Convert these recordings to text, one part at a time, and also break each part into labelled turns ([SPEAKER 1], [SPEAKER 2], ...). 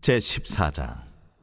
[SPEAKER 1] 제14장.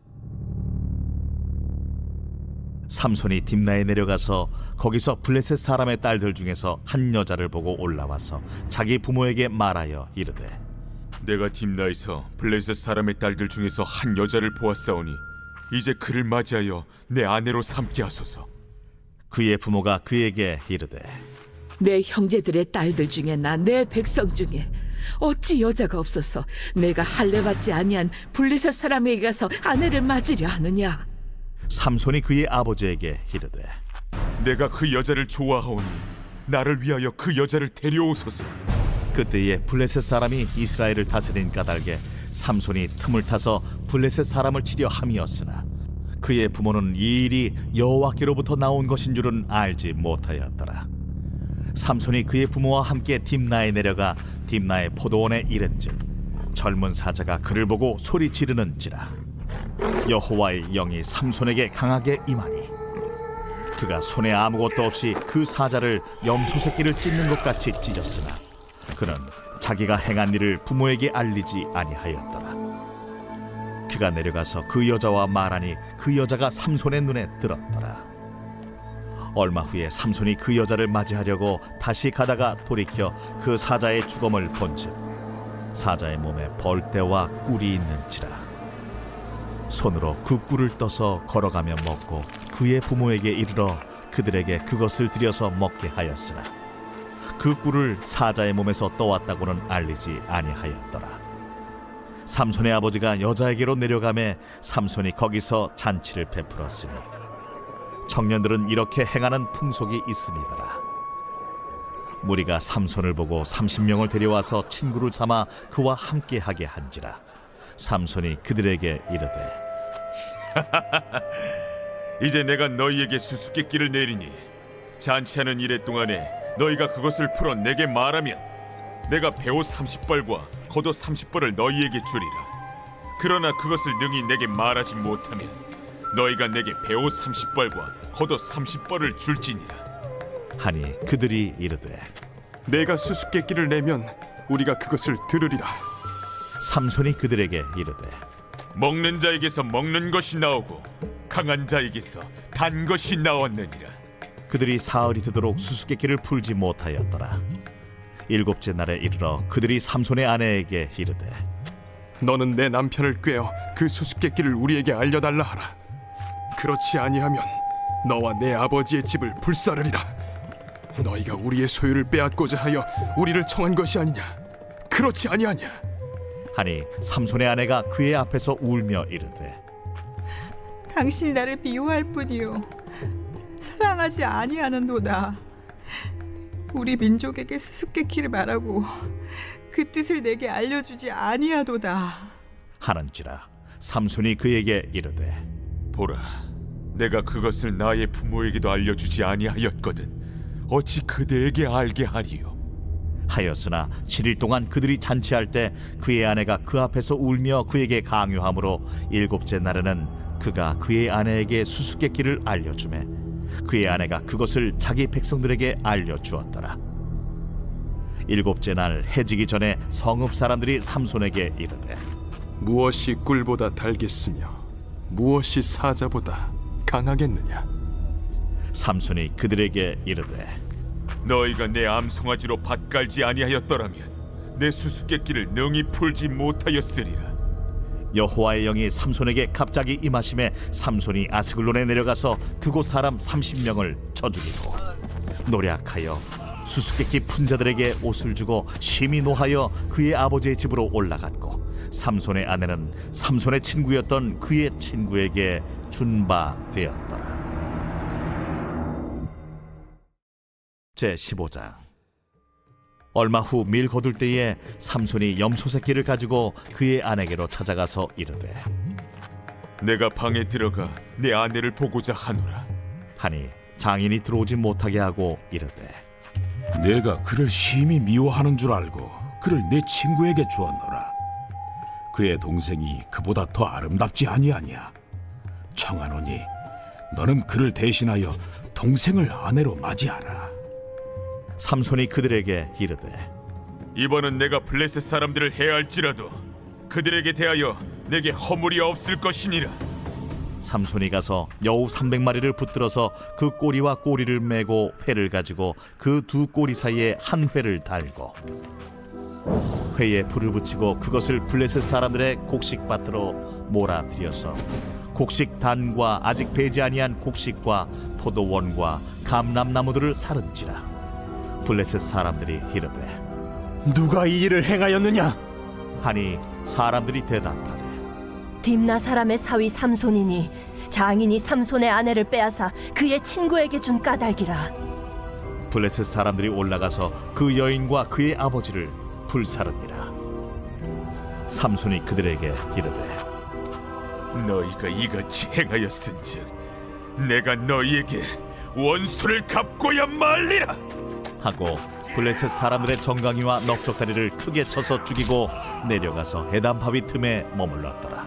[SPEAKER 1] 삼손이 딥나에 내려가서 거기서 블레셋 사람의 딸들 중에서 한 여자를 보고 올라와서 자기 부모에게 말하여 이르되,
[SPEAKER 2] 내가 딥나에서 블레셋 사람의 딸들 중에서 한 여자를 보았사오니 이제 그를 맞이하여 내 아내로 삼게 하소서.
[SPEAKER 1] 그의 부모가 그에게 이르되,
[SPEAKER 3] 내 형제들의 딸들 중에나 내 백성 중에 어찌 여자가 없어서 내가 할례받지 아니한 블레셋 사람에게 가서 아내를 맞으려 하느냐?
[SPEAKER 1] 삼손이 그의 아버지에게 이르되,
[SPEAKER 2] 내가 그 여자를 좋아하오니 나를 위하여 그 여자를 데려오소서.
[SPEAKER 1] 그때에 블레셋 사람이 이스라엘을 다스린 까닭에 삼손이 틈을 타서 블레셋 사람을 치려 함이었으나 그의 부모는 이 일이 여호와께로부터 나온 것인 줄은 알지 못하였더라. 삼손이 그의 부모와 함께 딥나에 내려가 딥나의 포도원에 이른즉 젊은 사자가 그를 보고 소리 지르는지라. 여호와의 영이 삼손에게 강하게 임하니 그가 손에 아무것도 없이 그 사자를 염소 새끼를 찢는 것 같이 찢었으나 그는 자기가 행한 일을 부모에게 알리지 아니하였더라. 그가 내려가서 그 여자와 말하니 그 여자가 삼손의 눈에 들었더라. 얼마 후에 삼손이 그 여자를 맞이하려고 다시 가다가 돌이켜 그 사자의 주검을 본즉 사자의 몸에 벌떼와 꿀이 있는지라. 손으로 그 꿀을 떠서 걸어가며 먹고 그의 부모에게 이르러 그들에게 그것을 들여서 먹게 하였으나 그 꿀을 사자의 몸에서 떠왔다고는 알리지 아니하였더라. 삼손의 아버지가 여자에게로 내려가매 삼손이 거기서 잔치를 베풀었으니 청년들은 이렇게 행하는 풍속이 있음이더라. 무리가 삼손을 보고 30명을 데려와서 친구를 삼아 그와 함께하게 한지라. 삼손이 그들에게 이르되,
[SPEAKER 2] 이제 내가 너희에게 수수께끼를 내리니 잔치하는 이래 동안에 너희가 그것을 풀어 내게 말하면 내가 배옷 30벌과 겉옷 30벌을 너희에게 주리라. 그러나 그것을 능히 내게 말하지 못하면 너희가 내게 배옷 30벌과 겉옷 30벌을 줄지니라.
[SPEAKER 1] 하니 그들이 이르되,
[SPEAKER 4] 내가 수수께끼를 내면 우리가 그것을 들으리라.
[SPEAKER 1] 삼손이 그들에게 이르되,
[SPEAKER 2] 먹는 자에게서 먹는 것이 나오고 강한 자에게서 단 것이 나왔느니라.
[SPEAKER 1] 그들이 사흘이 되도록 수수께끼를 풀지 못하였더라. 일곱째 날에 이르러 그들이 삼손의 아내에게 이르되,
[SPEAKER 4] 너는 내 남편을 꾀어 그 수수께끼를 우리에게 알려달라 하라. 그렇지 아니하면 너와 내 아버지의 집을 불사르리라. 너희가 우리의 소유를 빼앗고자 하여 우리를 청한 것이 아니냐? 그렇지 아니하냐?
[SPEAKER 1] 하니 삼손의 아내가 그의 앞에서 울며 이르되,
[SPEAKER 5] 당신이 나를 미워할 뿐이요 사랑하지 아니하는도다. 우리 민족에게 수수께끼를 말하고 그 뜻을 내게 알려주지 아니하도다
[SPEAKER 1] 하는지라. 삼손이 그에게 이르되,
[SPEAKER 2] 보라, 내가 그것을 나의 부모에게도 알려주지 아니하였거든 어찌 그대에게 알게 하리요?
[SPEAKER 1] 하였으나 7일 동안 그들이 잔치할 때 그의 아내가 그 앞에서 울며 그에게 강요하므로 일곱째 날에는 그가 그의 아내에게 수수께끼를 알려주매 그의 아내가 그것을 자기 백성들에게 알려주었더라. 일곱째 날 해지기 전에 성읍 사람들이 삼손에게 이르되,
[SPEAKER 4] 무엇이 꿀보다 달겠으며 무엇이 사자보다 강하겠느냐?
[SPEAKER 1] 삼손이 그들에게 이르되,
[SPEAKER 2] 너희가 내 암송아지로 밭 갈지 아니하였더라면 내 수수께끼를 능히 풀지 못하였으리라.
[SPEAKER 1] 여호와의 영이 삼손에게 갑자기 임하심에 삼손이 아스글론에 내려가서 그곳 사람 30명을 쳐 죽이고 노략하여 수수께끼 푼 자들에게 옷을 주고 심히 노하여 그의 아버지의 집으로 올라갔고 삼손의 아내는 삼손의 친구였던 그의 친구에게 준 바 되었더라. 제15장. 얼마 후 밀 거둘 때에 삼손이 염소 새끼를 가지고 그의 아내에게로 찾아가서 이르되,
[SPEAKER 2] 내가 방에 들어가 내 아내를 보고자 하노라.
[SPEAKER 1] 하니 장인이 들어오지 못하게 하고 이르되,
[SPEAKER 6] 내가 그를 심히 미워하는 줄 알고 그를 내 친구에게 주었노라. 그의 동생이 그보다 더 아름답지 아니하냐? 청하노니 너는 그를 대신하여 동생을 아내로 맞이하라.
[SPEAKER 1] 삼손이 그들에게 이르되,
[SPEAKER 2] 이번은 내가 블레셋 사람들을 해할지라도 그들에게 대하여 내게 허물이 없을 것이니라.
[SPEAKER 1] 삼손이 가서 여우 300마리를 붙들어서 그 꼬리와 꼬리를 메고 회를 가지고 그 두 꼬리 사이에 한 회를 달고 회에 불을 붙이고 그것을 블레셋 사람들의 곡식밭으로 몰아들여서 곡식 단과 아직 배지 아니한 곡식과 포도원과 감람나무들을 사른지라. 블레셋 사람들이 이르되
[SPEAKER 4] 누가 이 일을 행하였느냐?
[SPEAKER 1] 하니 사람들이 대답하되
[SPEAKER 7] 딥나 사람의 사위 삼손이니 장인이 삼손의 아내를 빼앗아 그의 친구에게 준 까닭이라.
[SPEAKER 1] 블레셋 사람들이 올라가서 그 여인과 그의 아버지를 불사르니라. 삼손이 그들에게 이르되
[SPEAKER 2] 너희가 이같이 행하였은즉 내가 너희에게 원수를 갚고야 말리라.
[SPEAKER 1] 하고 블레셋 사람들의 정강이와 넉적다리를 크게 쳐서 죽이고 내려가서 에담바위 틈에 머물렀더라.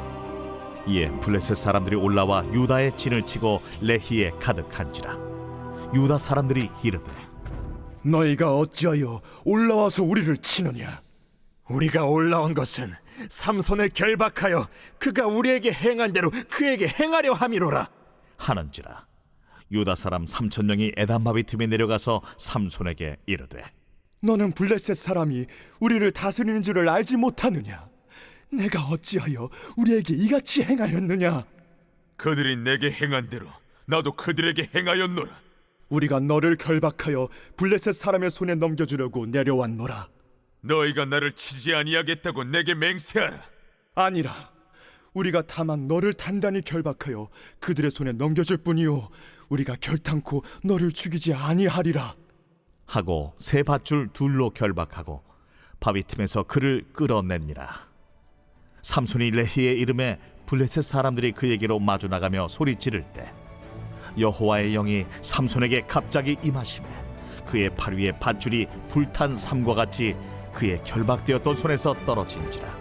[SPEAKER 1] 이에 블레셋 사람들이 올라와 유다의 진을 치고 레히에 가득한지라. 유다 사람들이 이르되
[SPEAKER 4] 너희가 어찌하여 올라와서 우리를 치느냐? 우리가 올라온 것은 삼손을 결박하여 그가 우리에게 행한 대로 그에게 행하려 함이로라.
[SPEAKER 1] 하는지라. 유다 사람 3,000명이 에담바위 틈에 내려가서 삼손에게 이르되
[SPEAKER 8] 너는 블레셋 사람이 우리를 다스리는 줄을 알지 못하느냐? 내가 어찌하여 우리에게 이같이 행하였느냐?
[SPEAKER 2] 그들이 내게 행한 대로 나도 그들에게 행하였노라.
[SPEAKER 8] 우리가 너를 결박하여 블레셋 사람의 손에 넘겨주려고 내려왔노라.
[SPEAKER 2] 너희가 나를 치지 아니하겠다고 내게 맹세하라.
[SPEAKER 8] 아니라 우리가 다만 너를 단단히 결박하여 그들의 손에 넘겨줄 뿐이요 우리가 결탄코 너를 죽이지 아니하리라.
[SPEAKER 1] 하고 새 밧줄 둘로 결박하고 바위 틈에서 그를 끌어냈니라. 삼손이 레히의 이름에 블레셋 사람들이 그에게로 마주 나가며 소리 지를 때 여호와의 영이 삼손에게 갑자기 임하시매 그의 팔 위에 밧줄이 불탄 삼과 같이 그의 결박되었던 손에서 떨어진지라.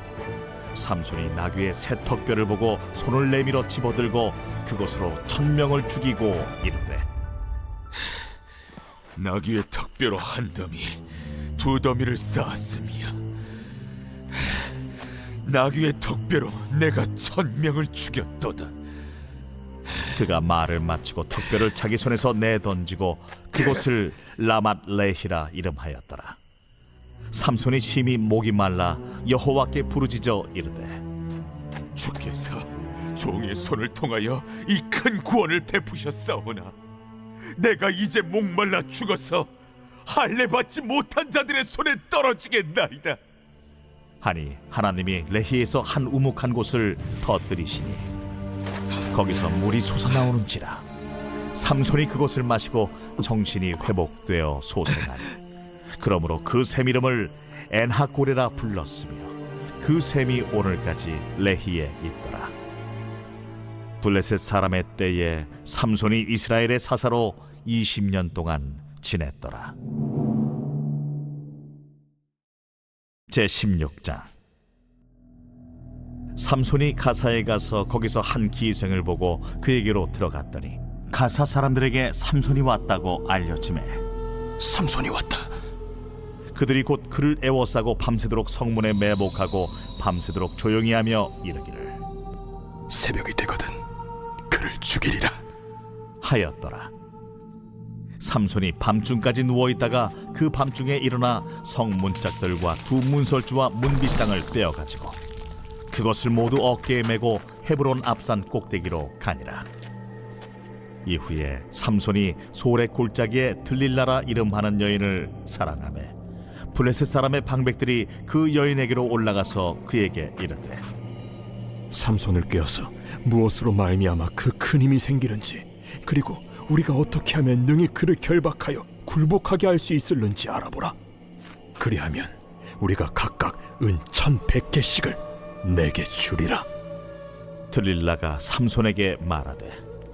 [SPEAKER 1] 삼손이 나귀의 새 턱뼈를 보고 손을 내밀어 집어들고 그것으로 1,000명을 죽이고 이르되
[SPEAKER 2] 나귀의 턱뼈로 한 더미, 두 더미를 쌓았으며 나귀의 턱뼈로 내가 1,000명을 죽였도다.
[SPEAKER 1] 그가 말을 마치고 턱뼈를 자기 손에서 내던지고 그곳을 라맛 레히라 이름하였더라. 삼손이 심히 목이 말라 여호와께 부르짖어 이르되
[SPEAKER 2] 주께서 종의 손을 통하여 이 큰 구원을 베푸셨사오나 내가 이제 목말라 죽어서 할례 받지 못한 자들의 손에 떨어지겠나이다.
[SPEAKER 1] 하니 하나님이 레히에서 한 우묵한 곳을 터뜨리시니 거기서 물이 솟아나오는지라. 삼손이 그것을 마시고 정신이 회복되어 소생하니 그러므로 그 샘 이름을 엔하고레라 불렀으며 그 샘이 오늘까지 레히에 있더라. 블레셋 사람의 때에 삼손이 이스라엘의 사사로 20년 동안 지냈더라. 제16장. 삼손이 가사에 가서 거기서 한 기생을 보고 그에게로 들어갔더니 가사 사람들에게 삼손이 왔다고 알려지매
[SPEAKER 4] 삼손이 왔다.
[SPEAKER 1] 그들이 곧 그를 애워싸고 밤새도록 성문에 매복하고 밤새도록 조용히 하며 이르기를
[SPEAKER 4] 새벽이 되거든 그를 죽이리라
[SPEAKER 1] 하였더라. 삼손이 밤중까지 누워있다가 그 밤중에 일어나 성문짝들과 두 문설주와 문빗장을 빼어가지고 그것을 모두 어깨에 메고 헤브론 앞산 꼭대기로 가니라. 이후에 삼손이 소래 골짜기에 들릴라라 이름하는 여인을 사랑하매 블레셋 사람의 방백들이 그 여인에게로 올라가서 그에게 이르되
[SPEAKER 4] 삼손을 꿰어서 무엇으로 말미암아 그 큰 힘이 생기는지 그리고 우리가 어떻게 하면 능히 그를 결박하여 굴복하게 할 수 있을는지 알아보라. 그리하면 우리가 각각 은 1,100개씩을 내게 주리라.
[SPEAKER 1] 들릴라가 삼손에게 말하되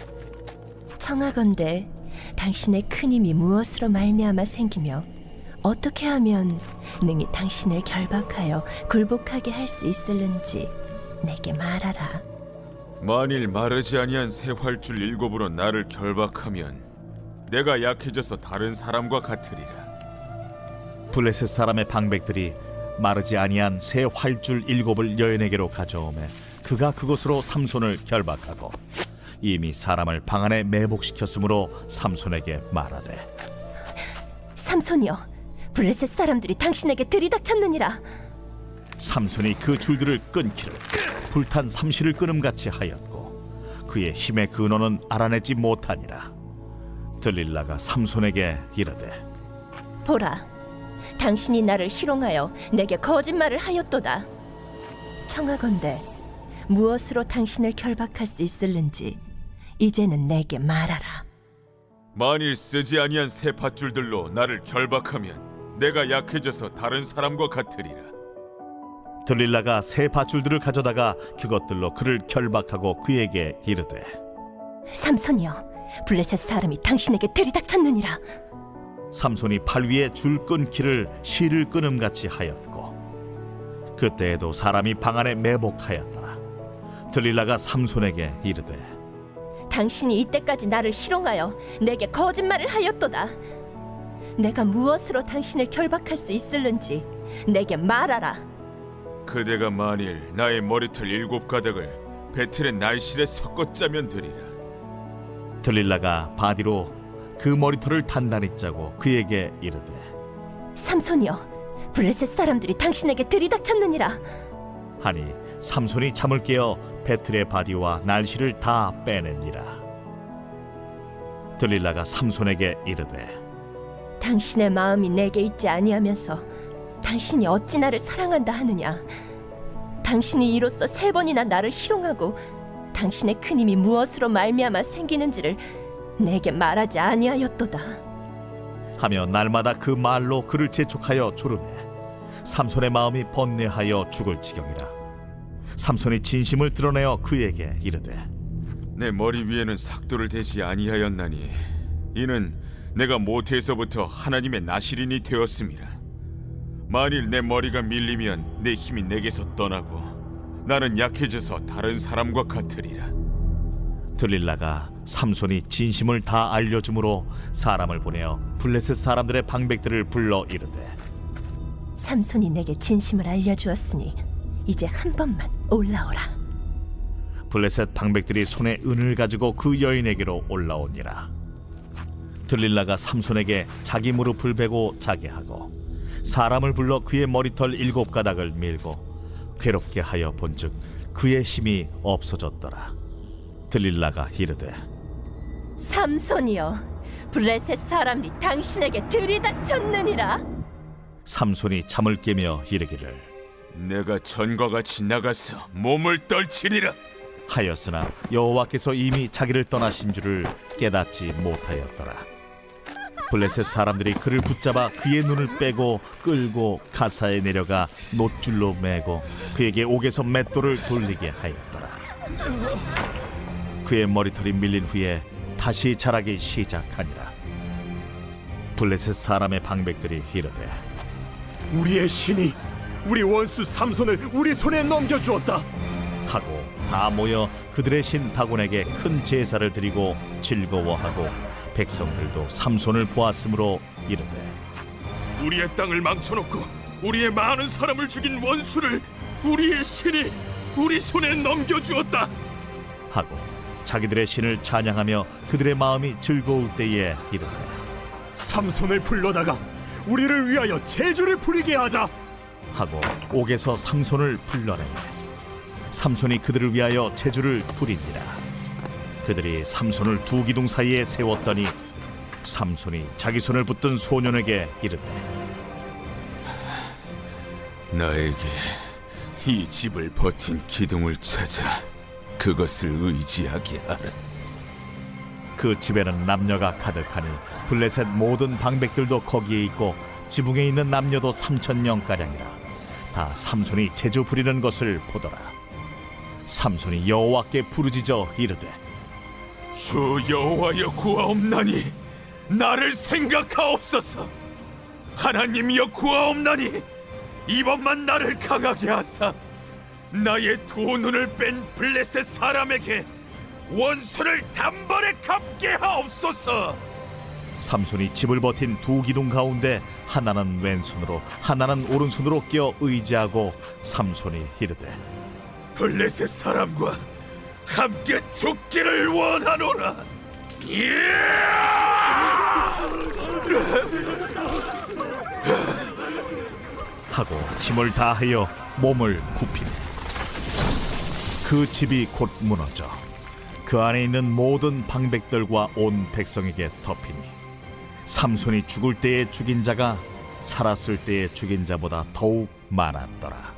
[SPEAKER 7] 청하건대 당신의 큰 힘이 무엇으로 말미암아 생기며 어떻게 하면 능히 당신을 결박하여 굴복하게 할 수 있을는지 내게 말하라.
[SPEAKER 2] 만일 마르지 아니한 새 활줄 7으로 나를 결박하면 내가 약해져서 다른 사람과 같으리라.
[SPEAKER 1] 블레셋 사람의 방백들이 마르지 아니한 새 활줄 7을 여인에게로 가져오매 그가 그것으로 삼손을 결박하고 이미 사람을 방 안에 매복시켰으므로 삼손에게 말하되
[SPEAKER 7] 삼손이여, 블레셋 사람들이 당신에게 들이닥쳤느니라.
[SPEAKER 1] 삼손이 그 줄들을 끊기를 불탄 삼시를 끊음같이 하였고 그의 힘의 근원은 알아내지 못하니라. 들릴라가 삼손에게 이르되
[SPEAKER 7] 보라, 당신이 나를 희롱하여 내게 거짓말을 하였도다. 청하건대 무엇으로 당신을 결박할 수 있을는지 이제는 내게 말하라.
[SPEAKER 2] 만일 쓰지 아니한 새 밧줄들로 나를 결박하면 내가 약해져서 다른 사람과 같으리라.
[SPEAKER 1] 들릴라가 새 밧줄들을 가져다가 그것들로 그를 결박하고 그에게 이르되
[SPEAKER 7] 삼손이여, 블레셋 사람이 당신에게 들이닥쳤느니라.
[SPEAKER 1] 삼손이 팔 위에 줄 끊기를 실을 끊음같이 하였고 그때에도 사람이 방 안에 매복하였더라. 들릴라가 삼손에게 이르되
[SPEAKER 7] 당신이 이때까지 나를 희롱하여 내게 거짓말을 하였도다. 내가 무엇으로 당신을 결박할 수 있을는지 내게 말하라.
[SPEAKER 2] 그대가 만일 나의 머리털 7가닥을 배틀의 날실에 섞어 짜면 되리라.
[SPEAKER 1] 들릴라가 바디로 그 머리털을 단단히 짜고 그에게 이르되
[SPEAKER 7] 삼손이여, 블레셋 사람들이 당신에게 들이닥쳤느니라.
[SPEAKER 1] 하니 삼손이 잠을 깨어 배틀의 바디와 날씨를 다 빼내니라. 들릴라가 삼손에게 이르되
[SPEAKER 7] 당신의 마음이 내게 있지 아니하면서 당신이 어찌 나를 사랑한다 하느냐. 당신이 이로써 3번이나 나를 희롱하고 당신의 큰 힘이 무엇으로 말미암아 생기는지를 내게 말하지 아니하였도다.
[SPEAKER 1] 하며 날마다 그 말로 그를 재촉하여 조르매 삼손의 마음이 번뇌하여 죽을 지경이라. 삼손이 진심을 드러내어 그에게 이르되
[SPEAKER 2] 내 머리 위에는 삭도를 대지 아니하였나니 이는 내가 모태에서부터 하나님의 나실인이 되었음이라. 만일 내 머리가 밀리면 내 힘이 내게서 떠나고 나는 약해져서 다른 사람과 같으리라.
[SPEAKER 1] 들릴라가 삼손이 진심을 다 알려주므로 사람을 보내어 블레셋 사람들의 방백들을 불러 이르되
[SPEAKER 7] 삼손이 내게 진심을 알려주었으니 이제 한 번만 올라오라.
[SPEAKER 1] 블레셋 방백들이 손에 은을 가지고 그 여인에게로 올라오니라. 들릴라가 삼손에게 자기 무릎을 베고 자게 하고 사람을 불러 그의 머리털 7가닥을 밀고 괴롭게 하여 본즉 그의 힘이 없어졌더라. 들릴라가 이르되
[SPEAKER 7] 삼손이여, 블레셋 사람이 당신에게 들이닥쳤느니라.
[SPEAKER 1] 삼손이 잠을 깨며 이르기를
[SPEAKER 2] 내가 전과 같이 나가서 몸을 떨치리라
[SPEAKER 1] 하였으나 여호와께서 이미 자기를 떠나신 줄을 깨닫지 못하였더라. 블레셋 사람들이 그를 붙잡아 그의 눈을 빼고 끌고 가사에 내려가 놋줄로 매고 그에게 옥에서 맷돌을 돌리게 하였더라. 그의 머리털이 밀린 후에 다시 자라기 시작하니라. 블레셋 사람의 방백들이 이르되
[SPEAKER 4] 우리의 신이 우리 원수 삼손을 우리 손에 넘겨주었다.
[SPEAKER 1] 하고 다 모여 그들의 신 다곤에게 큰 제사를 드리고 즐거워하고 백성들도 삼손을 보았으므로 이르되
[SPEAKER 4] 우리의 땅을 망쳐놓고 우리의 많은 사람을 죽인 원수를 우리의 신이 우리 손에 넘겨주었다.
[SPEAKER 1] 하고 자기들의 신을 찬양하며 그들의 마음이 즐거울 때에 이르되
[SPEAKER 4] 삼손을 불러다가 우리를 위하여 제주를 부리게 하자.
[SPEAKER 1] 하고 옥에서 삼손을 불러내매 삼손이 그들을 위하여 제주를 부리니라. 그들이 삼손을 두 기둥 사이에 세웠더니 삼손이 자기 손을 붙든 소년에게 이르되
[SPEAKER 2] 나에게 이 집을 버틴 기둥을 찾아 그것을 의지하게 하라.
[SPEAKER 1] 그 집에는 남녀가 가득하니 블레셋 모든 방백들도 거기에 있고 지붕에 있는 남녀도 3,000명가량이라. 다 삼손이 제주 부리는 것을 보더라. 삼손이 여호와께 부르짖어 이르되
[SPEAKER 2] 주 여호와여 구하옵나니 나를 생각하옵소서. 하나님이여 구하옵나니 이번만 나를 강하게 하사 나의 두 눈을 뺀 블레셋 사람에게 원수를 단번에 갚게 하옵소서.
[SPEAKER 1] 삼손이 집을 버틴 두 기둥 가운데 하나는 왼손으로 하나는 오른손으로 끼어 의지하고 삼손이 이르되
[SPEAKER 2] 블레셋 사람과 함께 죽기를 원하노라.
[SPEAKER 1] 하고 힘을 다하여 몸을 굽히니 그 집이 곧 무너져 그 안에 있는 모든 방백들과 온 백성에게 덮이니 삼손이 죽을 때에 죽인 자가 살았을 때에 죽인 자보다 더욱 많았더라.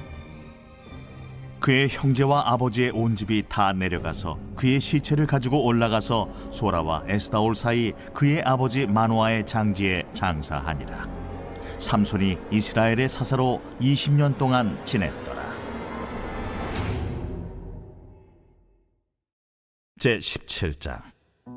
[SPEAKER 1] 그의 형제와 아버지의 온 집이 다 내려가서 그의 시체를 가지고 올라가서 소라와 에스다올 사이 그의 아버지 마노아의 장지에 장사하니라. 삼손이 이스라엘의 사사로 20년 동안 지냈더라. 제 17장.